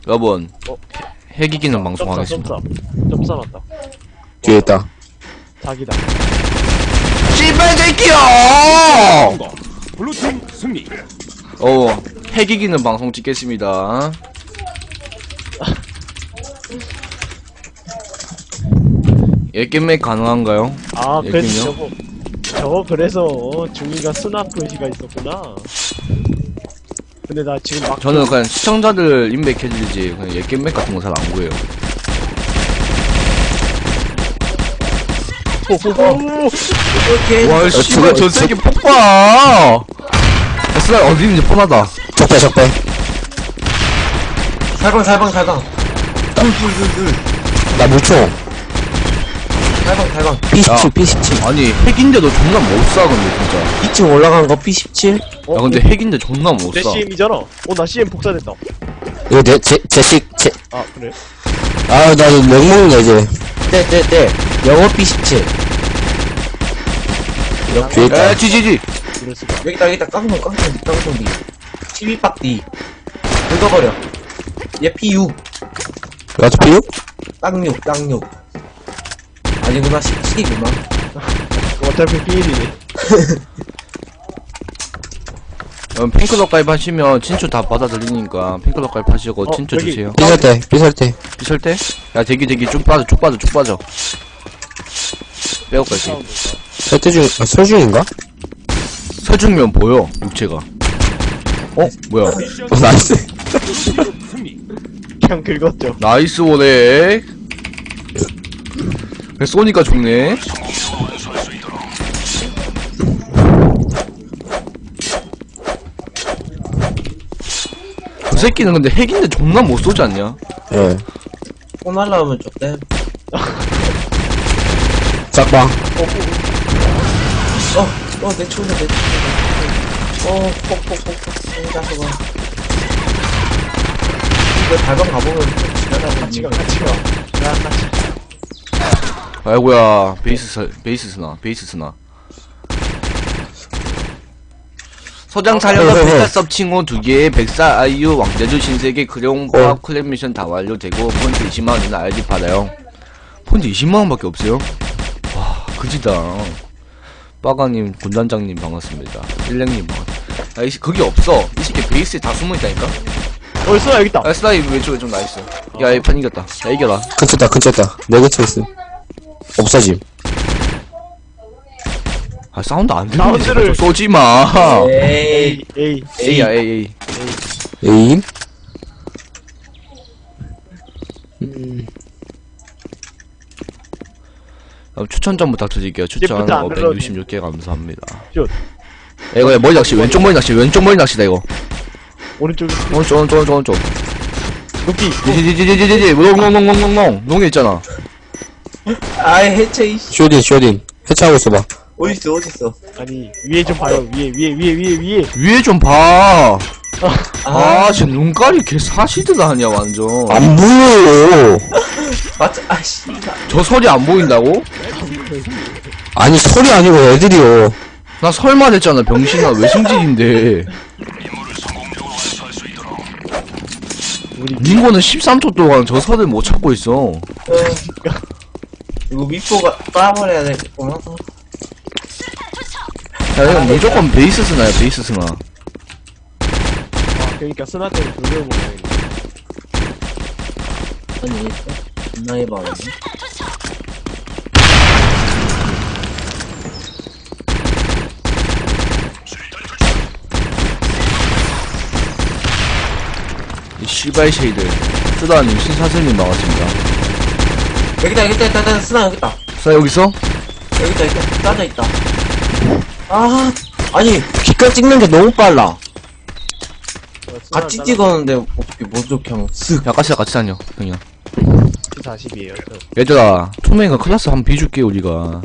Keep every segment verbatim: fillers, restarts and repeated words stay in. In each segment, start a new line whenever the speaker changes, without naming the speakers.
여러분
어?
핵이기는 방송하겠습니다.
점 싸놨다.
뒤에 있다.
자기다.
씨발 새끼야!
블루팀 승리.
어, 핵이기는 방송 찍겠습니다. 예겜맥 가능한가요?
아,
예,
그래서
그럼요.
저거, 저거 그래서 어, 중이가 스납 표시가 있었구나. 근데 나 지금 막
저는 그냥 시청자들 인맥해주지 그냥 예겜맥 같은 거 잘 안 구해요. 와, 씨발 저 새끼 폭파! 스나 어디 있는지 뻔하다.
적배, 적배.
살방 살방 살방 둘둘둘둘
나 무총.
살방 살방
피 십칠, 피 십칠.
아니 핵인데도 존나 못 쏴 근데 진짜.
이 층 올라간 거 피 십칠?
어,
야 근데 핵인데 존나 못
내
쏴.
씨엠이잖아. 어, 나 씨엠 복사됐다.
이거 내, 제, 제식, 제,
아, 그래?
아, 나 이거 맹목이야, 이제. 네, 네, 네. 영어 피 십칠. 뒤에 있다.
에 지지지.
이럴 수가.
여기다 여기다 깡통 깡통 깡통 D 십이 박 D 긁어버려 얘 피 육
나도 피 육?
깡육 깡육 아니구나 십칠이구나
어차피 비일이네.
음, 팬클럽 가입하시면 친추 다 받아들이니까 팬클럽 가입하시고
어,
친추
여기.
주세요.
삐설 때, 삐설 때.
비설 때? 야 대기 대기 쭉 빠져 쭉 빠져 쭉 빠져. 빼고 갈게.
설때 중, 아, 설중인가?
서중면 보여 육체가. 어 뭐야?
어, 나이스.
승리.
그냥 긁었죠.
나이스 원액. 쏘니까 좋네. 그 새끼는 근데 핵인데 존나 못 쏘지 않냐?
예.
폰 날라오면 좁대
짝방.
어어내 총이다 내 총이다 어 폭폭폭폭 총이다 저거 이거 달방 가보면 좀 지나가고
같이 가, 같이 가. 야, 같이.
아이고야 베이스 스 베이스 스나 베이스 스나. 소장 촬영과 백사섭 칭호 두 개, 백사 아이유 왕자주 신세계 크레용
어.
팝 클랩 미션 다 완료되고 폰트 이십만 원이나 알지 받아요. 폰트 이십만 원밖에 없어요? 와 그지다. 빠가님 군단장님 반갑습니다. 일랭님 반갑습니다. 아 이 거기 없어. 이 새끼 베이스에 다 숨어있다니까.
어, 있어, 여기 있다.
아 스나이 왼쪽에 좀 나있어. 야 이 판 이겼다. 야 이겨라.
근처다, 근처다. 내 근처에 있음. 없어짐.
아 사운드 안 들리는데
사운드를-
좀 쏘지마.
에이
에이, 에이.
A야 A A.
에임?
어, 추천 좀 부탁드릴게요. 추천
이제부터 안
오백육십육 개 감사합니다.
슛.
야, 이거 머리 낚시, 왼쪽 머리 낚시, 왼쪽 머리 낚시다, 이거.
오른쪽,
오른쪽, 오른쪽, 오른쪽, 오른쪽.
높이.
지지지지지지지, 농농농농농농, 농에 있잖아.
아이 해체 이씨
쇼딘, 쇼딘. 해체하고 있어봐.
어딨어 어딨어
아니, 위에 좀 봐요. 위에, 위에, 위에, 위에, 위에.
위에 좀 봐.
아
아, 쟤 눈깔이 개 사시드 아니야, 완전.
안 보여.
맞아 아씨
저 설이 안 보인다고?
아니, 소리 아니고 애들이요.
나 설만 했잖아, 병신아. 외승질인데.
우리
링고는 십삼 초 동안 저 설을 못 찾고 있어.
어. 이거 미포가 따버려야 되겠구나
야, 이건 무조건 베이스 스나야, 베이스 스나.
아, 그러니까 스나 때문에 돌려보네.
아니 존나 해봐
이 씨발 쉐이드. 쓰다님, 신사슬님 반갑습니다.
여기다 여기다 여기다 여기다 스나 여기다
자, 여기 있어?
여기다 여기다 짜져있다 아 아니
빛깔 찍는 게 너무 빨라.
같이 찍었는데 어떻게 못 좋게 하면 쓱
야, 같이, 같이 다녀, 형이야.
사십이에요.
얘들아, 투명이가 클래스 한번 비줄게, 우리가.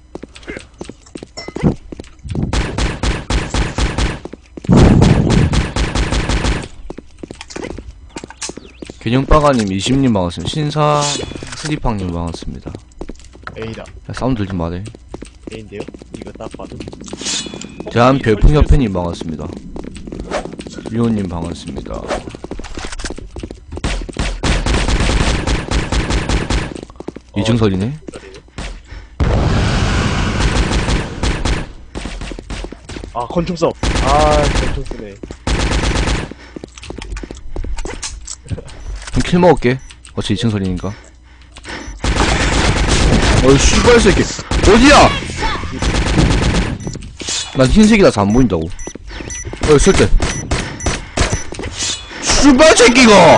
개념빠가님 이십님 반갑습니다. 신사 스리팡님 반갑습니다.
A다.
야, 사운드 들지 마래.
A인데요? 이거 딱 봐도.
대한 별풍협회님 반갑습니다. 리오님 반갑습니다. 이중설이네.
아 권총 써. 아 권총 쓰네.
그럼 킬 먹을게. 어차피 이중설이니까. 어이 씨발 새끼 어디야? 난 흰색이라서 안 보인다고. 어이 쓸때 씨발 새끼가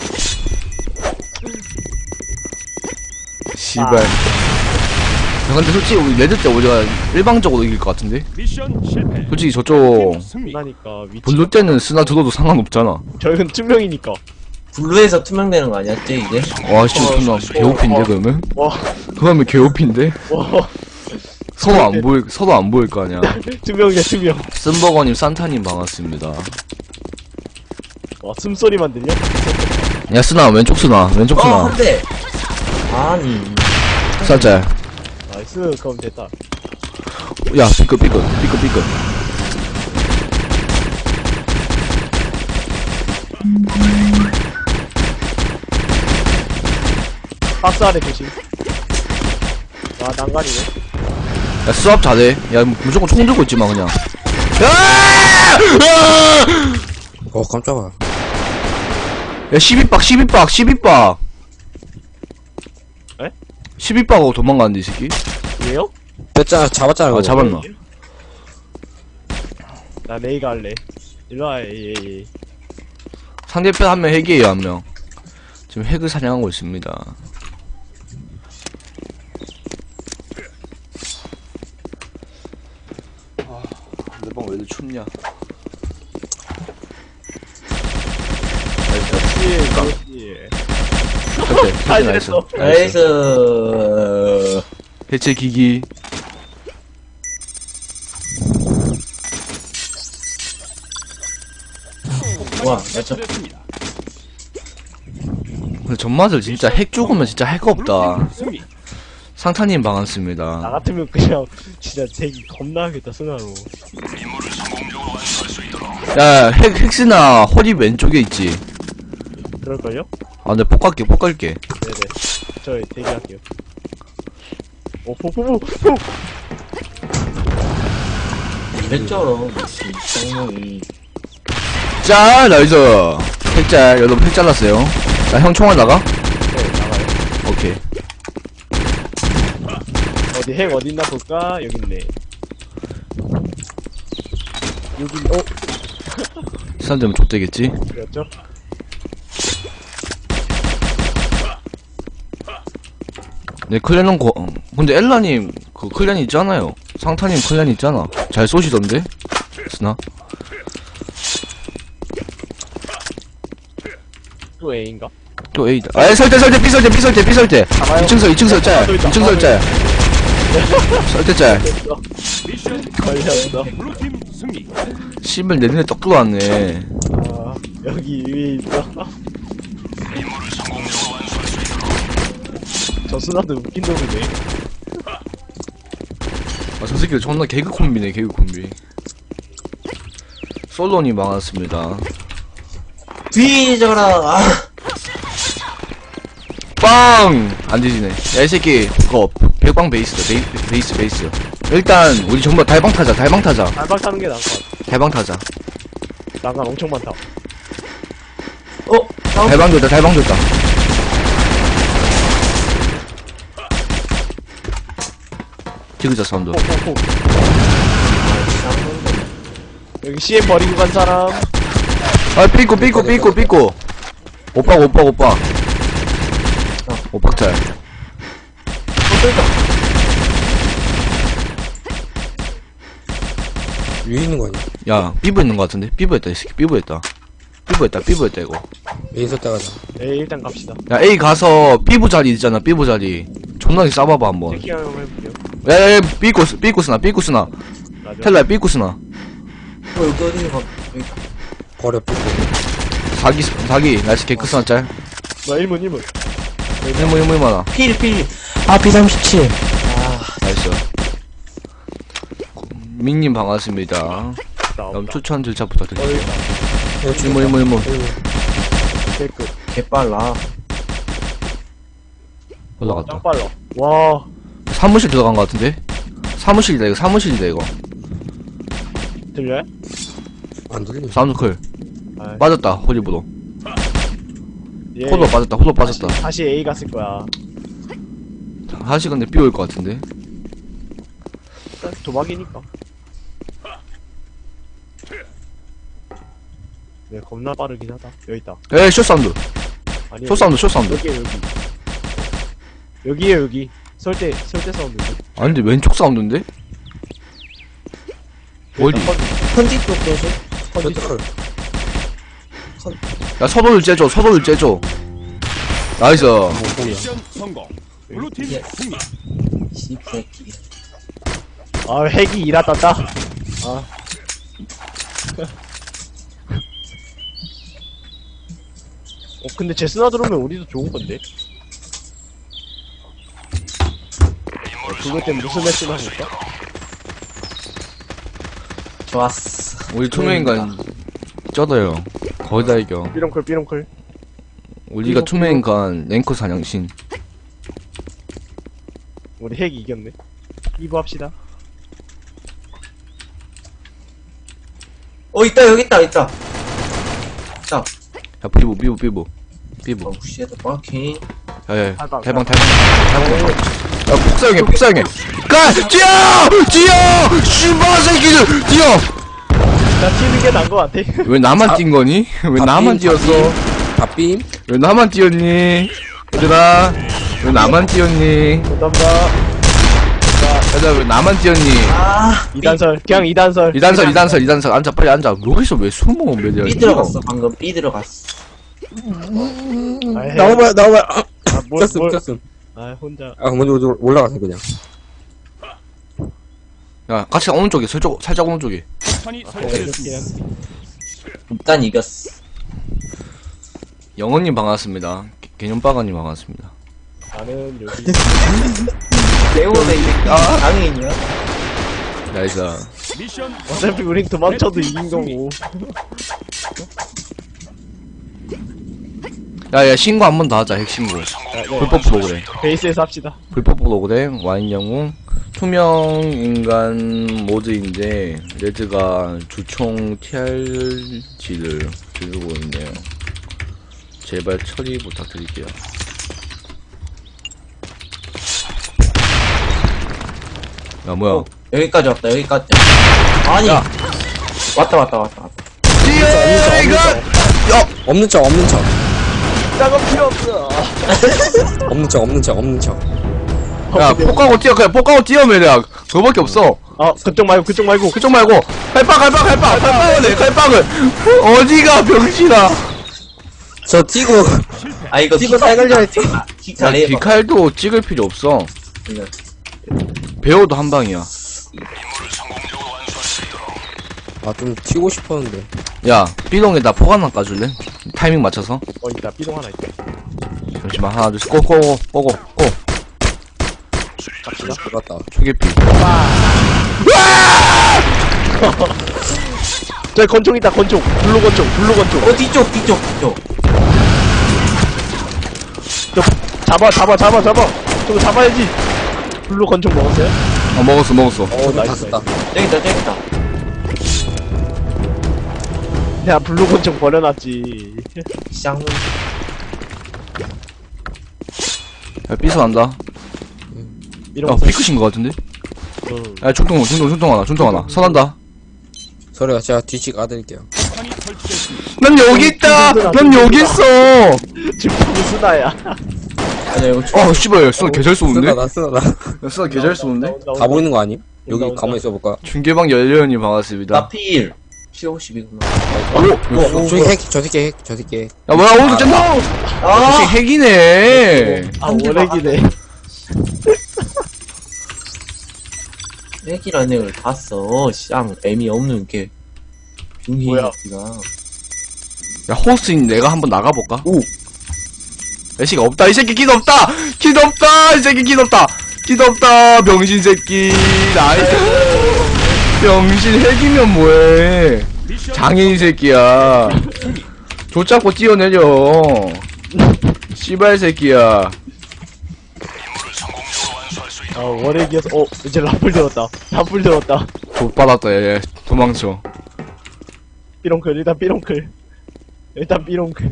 씨발. 야, 근데 솔직히 우리 레드 때 우리가 일방적으로 이길 것 같은데?
미션 실패.
솔직히 저쪽
승리.
나니까 위치.
블루 때는 쓰나 들어도 상관없잖아.
저희는 투명이니까.
블루에서 투명되는 거 아니었지 이제?
와 씨, 그럼 개오피인데
어.
그러면?
와.
그러면 개오피인데?
와.
서로 안 보일 서로 안 보일 거 아니야.
투명이야 투명.
쓴버거님 산타님 반갑습니다.
와 숨소리만 들려?
야 쓰나 왼쪽 쓰나 왼쪽
어
쓰나
한대. 아니.
쌀짤.
나이스 그럼 됐다.
야 삐끗 삐끗 삐끗 삐끗.
박스 아래 조심. 아 난간이네.
야 수압 잘해. 야 무조건 총 들고 있지마 그냥. 야!
어, 깜짝아.
야 십이 박 십이 박 십이 박.
에?
십이 박하고 도망가는데 이 새끼.
왜요?
뺐잖아, 잡았잖아.
아
그거.
잡았나?
나 레이가 할래. 일로와 에이 에이.
상대편 한 명 핵이에요 한 명. 지금 핵을 사냥하고 있습니다. 아, 내 방 왜 이렇게 춥냐?
그렇지 그렇지.
해체,
잘
해체 나이스.
됐어.
나이스.
나이스.
해체 기기.
와, 맞죠?
됐습니다.
근데 전맛을 진짜 핵 죽으면 진짜 핵 없다.
승리.
상타님
나
반갑습니다.
같으면 그냥 진짜 제기 겁나 하겠다 스나로.
야, 핵, 핵스나 허리 왼쪽에 있지.
그럴걸요?
아, 근데 폭 갈게, 폭 갈게.
네네. 저 대기할게요. 오 포포포 포.
이랬죠. 쌍놈이.
짤, 나이스. 핵짤, 여러분 핵 잘랐어요. 나 형 총알 나가?
네 나가요.
오케이.
어디 핵 어딨나 볼까? 여기 있네. 여기 어
사람 되면 족되겠지?
그랬죠?
네, 클랜은 고, 어, 근데 엘라님, 그 클랜 있잖아요. 상타님 클랜 있잖아. 잘 쏘시던데? 스나?
또 A인가?
또 A다. 아, 설대, 설대, B설대, B설대, B설대.
가봐요.
이층 설, 이층 설 짤.
또 있다.
이층 설 짤. 설대 짤.
됐어.
미션
걸렸어.
블루팀 승리.
씨발, 내 눈에 떡 들어왔네.
아 여기 위에 있어. 저 스나도 웃긴 놈이네.
아, 저 새끼 존나 개그 콤비네, 개그 콤비. 솔로님 반갑습니다.
뒤져라. 아.
빵! 안 뒤지네. 야, 이 새끼, 그거, 백방 베이스다, 베이, 베이스, 베이스. 일단, 우리 전부 다 달방 타자, 달방 타자.
알박 타는 게 나을 것 같아.
달방 타자.
난간 엄청 많다.
어? 다음.
달방 됐다, 달방 됐다. 지그자 사운드.
폭폭폭. 여기 씨엠 버리고 간 사람.
아, 삐꼬, 삐꼬, 삐꼬, 삐꼬. 오빠, 오빠, 오빠. 오빠 짤.
위에 있는 거 아니야?
야, 삐부 있는 거 같은데? 삐부했다, 이 새끼. 삐부했다. 삐부했다, 삐부했다, 이거.
위에 있었다 가자.
에이 일단 갑시다.
야, A 가서 삐부 자리 있잖아, 삐부 자리. 존나게 싸봐봐, 한번.
체킹 한번 해볼게요.
야, 야, 야, 삐꼬스, 삐꼬스나, 삐꼬스나.
맞아.
텔라야, 삐꼬스나.
어, 여기 어디 가? 여기.
버려, 삐고.
사기, 사기. 나이스 개크스나 짤.
나 일문 일문.
일모, 일모, 일모나.
필, 필. 아, 피 삼십칠.
나이스. 민님 반갑습니다.
나
그럼
없다.
추천 절차
어
부탁드립니다.
여기 있다.
일모, 일모, 일모.
개끝.
개빨라.
올라갔다.
짱 빨라. 와,
사무실 들어간 것 같은데? 사무실이다 이거 사무실이다 이거.
들려요?
안 들리네.
사운드 클.
아,
빠졌다 호리보도.
얘
호도 빠졌다 호도 빠졌다.
다시, 다시 A 갔을 거야.
하시 근데 B 올 것 같은데.
도박이니까. 네, 겁나 빠르긴 하다. 여기 있다.
에이 숏 사운드.
아니,
숏 사운드 숏 사운드.
여기에 여기. 여기에 여기. 설대 설대 사운드.
아니 근데 왼쪽 사운드인데? 어디?
컨디 쪽 도시?
컨디
야 서도를 째줘 서도를 째줘. 나이스.
미션 성공. 블루팀 승리.
씨새끼.
아, 핵이 일하 땄다. 아. 어, 근데 제스나 들어오면 우리도 좋은 건데. 어, 그것 때문에 무슨 매치나 할까?
좋았어.
우리 투명인간 쩌어요. 거의 다 이겨.
삐롱클, 삐롱클.
우리가 투명인간 랭커 사냥신.
우리 핵이 이겼네. 이부 합시다.
어, 있다, 여기 있다, 있다. 있다.
야 비보 비보 비보 비보.
어, 쉣, 오케이.
야야
탈방,
탈방 탈방 탈방. 야 폭사용해 폭사용해. 가 뛰어 뛰어 씨발 새끼들 뛰어.
나 튀는 게 나은 거 같아.
왜 나만 뛴 거니? 왜 나만 뛰었어?
밥빔?
왜 나만 뛰었니? 얘들아 왜 나만 뛰었니?
감사합니다.
얘들아 왜 나만 뛰었니?
아,
이단설, 그냥 이단설.
이단설 이단설 이단설 앉아 빨리 앉아. 여기서 왜 숨어 매들?
B 들어갔어, 방금. B 들어갔어.
아, 핵.
나와봐요, 나와봐요. 아,
아, 뭘,
꼈음,
뭘.
꼈음.
아, 혼자.
아, 먼저 먼저 올라가세요, 그냥.
야 같이 오른쪽에 살짝 살짝 오른쪽에.
폭탄이 설치됐습니다.
이렇게.
일단 이겼어.
영원님 반갑습니다. 개- 개념빠가님 반갑습니다.
나는 여기.
레오네, 이 새끼. 아, 장애인이야?
나이스.
미션
어차피 우린 도망쳐도 이긴 거고.
야야 신고 한 번 더 하자 핵신고.
아, 네.
불법 프로그램.
베이스에서 합시다.
불법 프로그램 와인 영웅 투명 인간 모드인데 레드가 주총 티알지를 들고 있네요. 제발 처리 부탁드릴게요. 야 뭐야?
어, 여기까지 왔다, 여기까지. 아니.
야.
왔다, 왔다, 왔다, 왔다.
뒤에 이거
없는 척, 없는 척.
작업 필요 없어.
없는 척, 없는 척, 없는 척.
야 폭가고 뛰어 그냥 폭가고 뛰어면 내가 그거밖에 없어.
아, 그쪽 말고, 그쪽 말고.
그쪽 말고 칼빵 칼빵 칼빵 칼빵을 해 칼빵을 어디가 병신아.
저 뛰고,
아, 이거
뛰고 살걸려야지.
킥
야,
잘해.
기칼도 찍을 필요 없어.
이거.
배워도 한 방이야.
아, 좀 튀고 싶었는데.
야 B동에다 폭 하나 까줄래? 타이밍 맞춰서.
어, 있다. 삐동 하나 있다.
잠시만 하나 둘셋 고고고 고고 고.
갑시다.
들어갔다.
초계피.
저기 권총 있다, 권총. 블루 권총, 블루 권총.
어, 뒤쪽, 뒤쪽, 뒤쪽.
저, 잡아, 잡아, 잡아, 잡아. 저거 잡아야지. 블루 권총 먹었어요?
어 먹었어 먹었어.
어, 다
나이스,
썼다.
저기 있다, 저기 있다.
내가 블루 권총 버려놨지.
쌍문.
야 삐서 난다.
이런
야
거.
피크신 거 같은데?
응.
야 중통 중통 중통 하나 중통 하나 선한다.
소리가 제가 뒤치 까드릴게요.
폭탄이 설치됐습니다.
난 여기 있다. 난 여기 있어.
지금 스나야.
아니, 이거 초
어 씨발 쓰나 개잘 쏘는데?
쓰나다, 쓰나다.
야 쓰나 개잘 쏘는데?
온다, 온다,
가 보이는 거 아님?
온다,
여기
온다.
가만히 있어볼까?
중계방 열려연이 반갑습니다.
나필. 칠오십이구나.
오.
어, 저기 핵, 저 새끼 핵, 저 새끼 핵.
야 뭐야 오른쪽 짠다.
아!
역시 핵이네.
아, 원핵이네.
핵이라는 애를 봤어. 쌍, 애미 없는 게.
뭐야?
빙희가.
야 호스인 내가 한번 나가볼까?
오!
야 씨가 없다 이 새끼 긴 없다 긴 없다 이 새끼 긴 없다 긴 없다 병신 새끼 나이스 병신 핵이면 뭐해
미션
장애인 새끼야 조 잡고 뛰어내려 씨발 새끼야
아 월액이어서 어 이제 라플 들었다 라플 들었다
못 받았다 얘 도망쳐.
삐롱클 일단 삐롱클 일단 삐롱클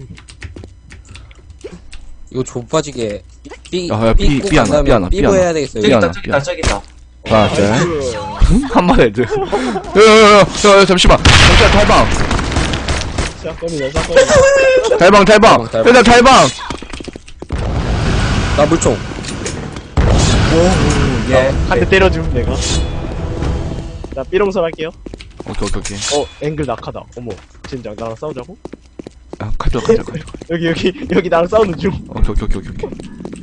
이거 좁아지게 삐,
야, 야, 삐, 삐 하나, 삐 하나, 삐
삐고
하나.
해야 되겠어요.
저기
미안해,
있다, 저기 있다, 저기 있다.
하나 둘. 한 마리 애들. 야야야야 잠시만. 잠시만 탈방.
샷건이다 샷건이다
탈방 탈방.
탈방.
일단 탈방.
나 물총.
예.
한 대 때려줌 내가 자 삐롱설 할게요
오케이 오케이 오케이.
어 앵글 낙하다 어머 진작 나랑 싸우자고?
야 칼져 칼져 칼져.
여기 여기 여기 나랑 싸우는 중
오케이 오케이 오케이 오케이.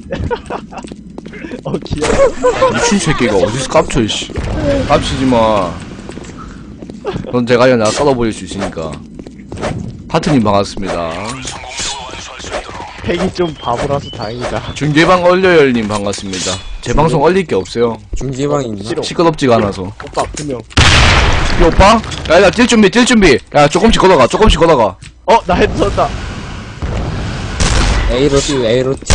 어 귀여워
미친 새끼가 어디서 깝쳐 이씨. 깝치지 마. 넌 제가 아니라 내가 썰어버릴 수 있으니까. 하트님 반갑습니다.
팩이 좀 바보라서 다행이다
중계방 얼려열님 반갑습니다. 제 방송 얼릴 게 없어요.
중지방이 있나?
싫어
시끄럽지가 않아서.
오빠 두명
이 오빠? 야, 야, 뛸 준비, 뛸 준비. 야, 조금씩 걷어가, 조금씩 걷어가.
어 나 헤드 썼다
A로 띄우 A로 띄우.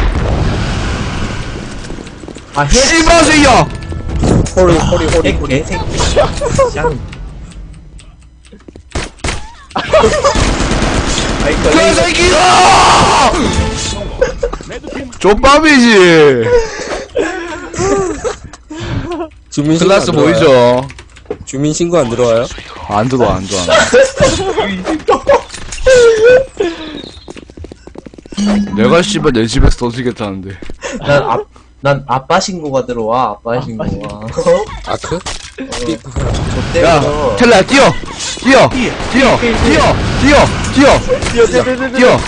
아, 해,
씨발새야!
호리 호리 호리
해,
호리.
개새끼. 짱.
개새끼가!
레드팀
족밥이지.
주민 신고
클라스
안 들어와요?
보이죠?
주민 신고 안 들어와요?
안 들어와, 안 들어와. 내가 씨발 내 집에서 터지겠다는데.
난 아, 난 아빠 신고가 들어와, 아빠 신고가.
아크? 삐.
야,
좆대서.
텔라야, 뛰어! 뛰어! 뛰어! 뛰어! 뛰어! 뛰어!
뛰어 뛰어 뛰어 뛰어
뛰어!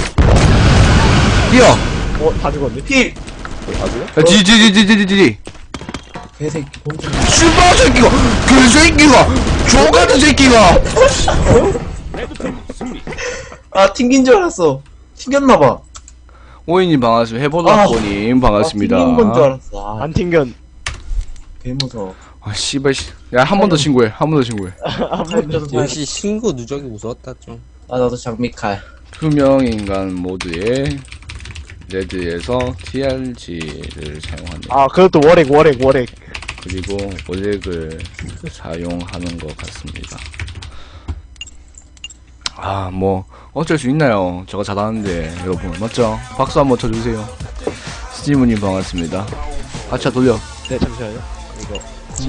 뛰어!
어다 죽었네
필!
야, 지, 지, 지, 지, 지, 지, 지.
개새끼, 봉투.
씨발 새끼가! 그 새끼가! 저 같은 새끼가!
레드팀 승리.
아, 튕긴 줄 알았어. 튕겼나봐.
오이님 반갑습니다. 해보다보님 반갑습니다.
아, 튕긴 건 줄 알았어. 아,
안 튕겨
개무서워.
아, 씨발, 씨. 야, 한 번 더 신고해. 한 번 더 신고해.
한번
역시 신고 누적이 무서웠다 좀.
아, 나도 장미칼.
투명인간 모드의 레드에서 티알지를 사용한다.
아 그것도 월액 월액 월액
그리고 오렉을 사용하는 것 같습니다. 아, 뭐, 어쩔 수 있나요? 저가 잘하는데, 여러분. 맞죠? 박수 한번 쳐주세요. 스티브님 반갑습니다. 아차 돌려.
네 잠시만요 이거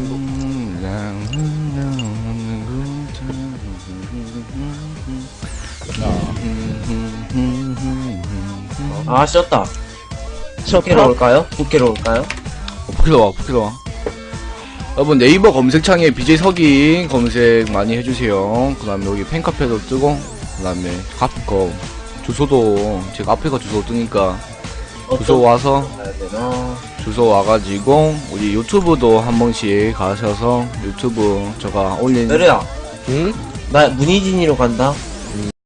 아, 쉬었다.
셔터
부캐로 올까요? 부캐로 올까요?
어, 포킬러 와, 포킬러 와. 여러분 네이버 검색창에 비제이 석인 검색 많이 해주세요. 그 다음에 여기 팬카페도 뜨고, 그 다음에 앞거 주소도 제가 앞에가 주소 뜨니까 주소 와서
가야 되나?
주소 와가지고 우리 유튜브도 한 번씩 가셔서 유튜브 제가 올린
내려야.
응?
나 문희진이로 간다.